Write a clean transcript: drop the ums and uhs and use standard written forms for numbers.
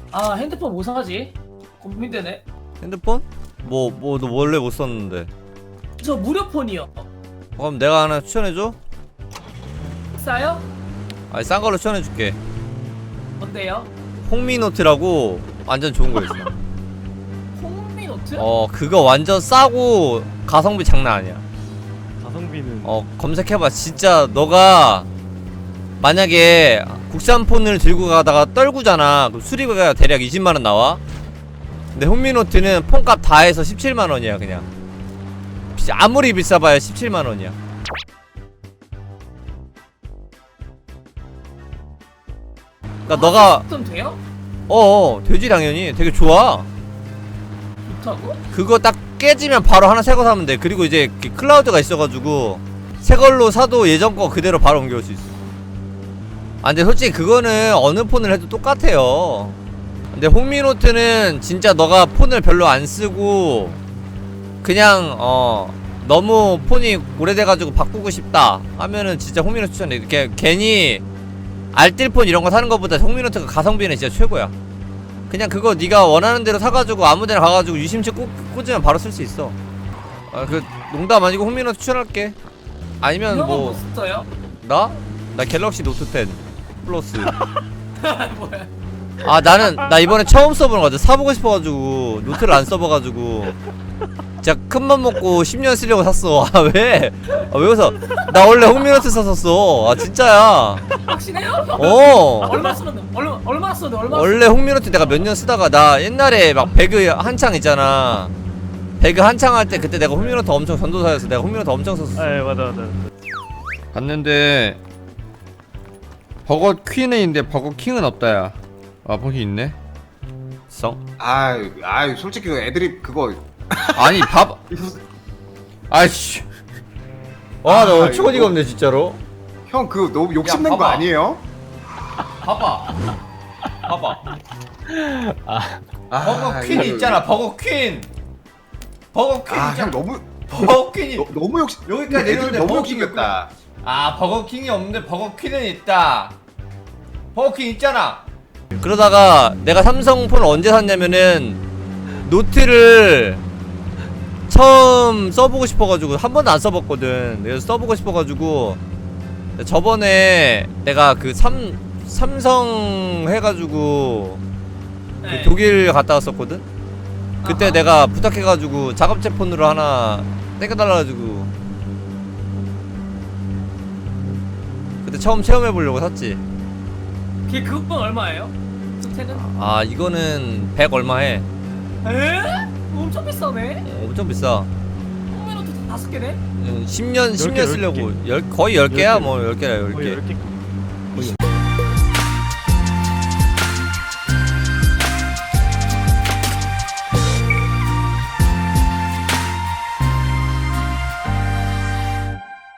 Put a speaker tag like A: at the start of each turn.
A: 아 핸드폰 뭐 사지? 고민되네.
B: 핸드폰? 너 원래 못 썼는데.
A: 저 무료폰이요.
B: 그럼 내가 하나 추천해줘?
A: 싸요?
B: 아니 싼 걸로 추천해줄게.
A: 뭔데요?
B: 홍미노트라고 완전 좋은 거 있어.
A: 홍미노트?
B: 그거 완전 싸고 가성비 장난 아니야.
C: 가성비는
B: 검색해봐. 진짜 너가 만약에 국산 폰을 들고 가다가 떨구잖아. 그럼 수리비가 대략 20만원 나와. 근데 홍미노트는 폰값 다 해서 17만원이야 그냥. 아무리 비싸봐야 17만원이야. 그니까 너가
A: 좀 돼요?
B: 되지 당연히. 되게 좋아.
A: 좋다고?
B: 그거 딱 깨지면 바로 하나 새 거 사면 돼. 그리고 이제 클라우드가 있어가지고 새 걸로 사도 예전 거 그대로 바로 옮겨올 수 있어. 근데 솔직히 그거는 어느 폰을 해도 똑같아요. 근데 홍미노트는 진짜 너가 폰을 별로 안 쓰고 그냥 너무 폰이 오래돼가지고 바꾸고 싶다 하면은 진짜 홍미노트 추천해. 이렇게 괜히 알뜰폰 이런 거 사는 것보다 홍미노트가 가성비는 진짜 최고야. 그냥 그거 네가 원하는 대로 사가지고 아무데나 가가지고 유심칩 꽂으면 바로 쓸 수 있어. 그 농담 아니고 홍미노트 추천할게. 아니면
A: 이런
B: 뭐
A: 거뭐 써요?
B: 나 갤럭시 노트 10 플러스.
A: 뭐야?
B: 나 이번에 처음 써보는 거 같아. 사보고 싶어가지고 노트를 안 써봐가지고 진짜 큰맘 먹고 10년 쓰려고 샀어. 왜? 왜 웃어? 나 원래 홍미노트 샀었어. 진짜야.
A: 확신해요?
B: 얼마
A: 얼마 썼는데?
B: 원래 홍미노트 내가 몇 년 쓰다가 나 옛날에 막 배그 한창 있잖아. 배그 한창 할 때 그때 내가 홍미노트 엄청 전도사였어. 내가 홍미노트 엄청 썼어.
C: 아, 예, 맞아.
B: 갔는데 버거 퀸은 있는데 버거 킹은 없다야. 버거 있네.
D: 아유 솔직히 그 애드립 그거
B: 아니 아이씨. 나 어처구니가
D: 이거-
B: 없네 진짜로.
D: 형 그거 너무 욕심낸 거
B: 봐봐.
D: 아니에요?
B: 봐봐. 버거 퀸
D: 이거-
B: 있잖아. 버거 퀸
D: 형
B: 있잖아.
D: 너무
B: 버거 퀸이
D: 너무 욕심
B: 여기까지
D: 애드립
B: 내려오는데
D: 너무
B: 버거 킹이
D: 욕심냈다.
B: 버거 킹이 없는데 버거 퀸은 있다. 버거 킹 있잖아. 그러다가 내가 삼성폰을 언제 샀냐면은 노트를 처음 써보고 싶어가지고 한 번도 안 써봤거든. 그래서 써보고 싶어가지고 저번에 내가 그 삼성 해가지고
A: 네.
B: 그 독일 갔다 왔었거든. 그때
A: 아하.
B: 내가 부탁해가지고 작업제 폰으로 하나 땡겨달라가지고 그때 처음 체험해보려고 샀지.
A: 그건 얼마예요? 스테는?
B: 이거는 100 얼마 해.
A: 에? 엄청 비싸네.
B: 엄청 비싸.
A: 홍미노트 5개네?
B: 10년
C: 개,
B: 쓰려고 거의 10개야. 뭐 10개야
C: 거의
B: 10개.
C: 10개.